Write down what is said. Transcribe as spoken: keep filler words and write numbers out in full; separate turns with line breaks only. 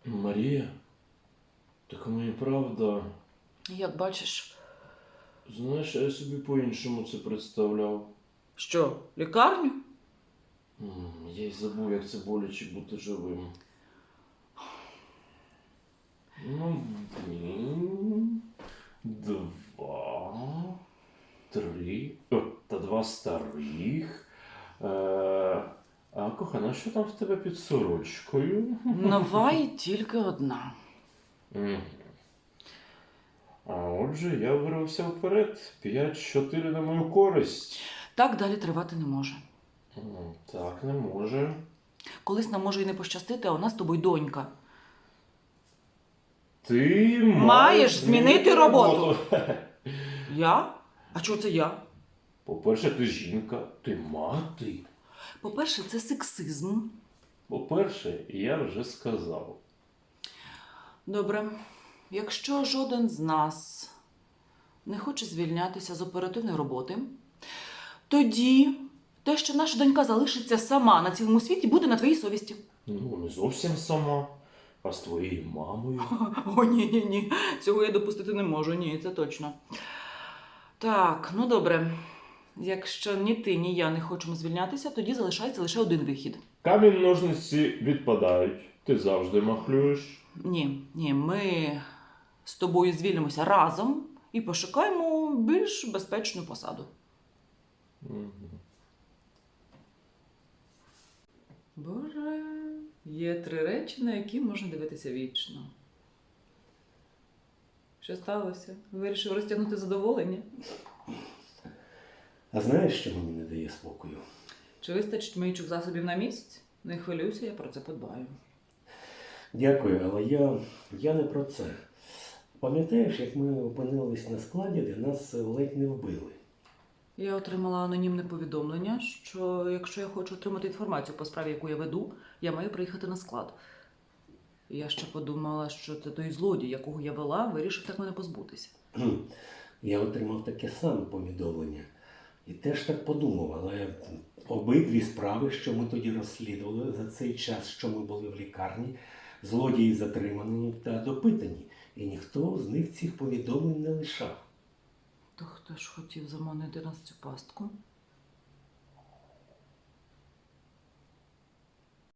Марія? Так мені правда.
Як бачиш.
Знаєш, я собі по-іншому це представляв.
Що, лікарню?
М, Я й забув, як це боляче бути живим. Ну, один, два, три. О, та два старих. Е, а кохана, що там в тебе під сорочкою?
Нова і тільки одна.
Мгм. А отже, я вирвався вперед. П'ять-чотири на мою користь.
Так далі тривати не може.
М, Так, не може.
Колись нам може і не пощастити, а у нас з тобою донька.
Ти
Маєш змінити роботу.
роботу.
Я? А чого це я?
По-перше, ти жінка, ти мати.
По-перше, це сексизм.
По-перше, я вже сказав.
Добре. Якщо жоден з нас не хоче звільнятися з оперативної роботи, тоді те, що наша донька залишиться сама на цілому світі, буде на твоїй совісті.
Ну, не зовсім сама, а з твоєю мамою.
О, ні-ні-ні, цього я допустити не можу, ні, це точно. Так, ну добре. Якщо ні ти, ні я не хочемо звільнятися, тоді залишається лише один вихід.
Камінь, ножниці відпадають. Ти завжди махлюєш.
Ні, ні, ми з тобою звільнимося разом і пошукаємо більш безпечну посаду.
Мгм.
Боже, є три речі, на які можна дивитися вічно. Що сталося? Вирішив розтягнути задоволення?
А знаєш, що мені не дає спокою?
Чи вистачить миючих засобів на місяць? Не хвилюйся, я про це подбаю.
Дякую, але я, я не про це. Пам'ятаєш, як ми опинились на складі, де нас ледь не вбили?
Я отримала анонімне повідомлення, що якщо я хочу отримати інформацію по справі, яку я веду, я маю приїхати на склад. Я ще подумала, що це той злодій, якого я вела, вирішив так мене позбутися.
Кхм. Я отримав таке саме повідомлення. І теж так подумав, але обидві справи, що ми тоді розслідували за цей час, що ми були в лікарні, злодії затримані та допитані. І ніхто з них цих повідомлень не лишав.
То хто ж хотів заманити нас в цю пастку?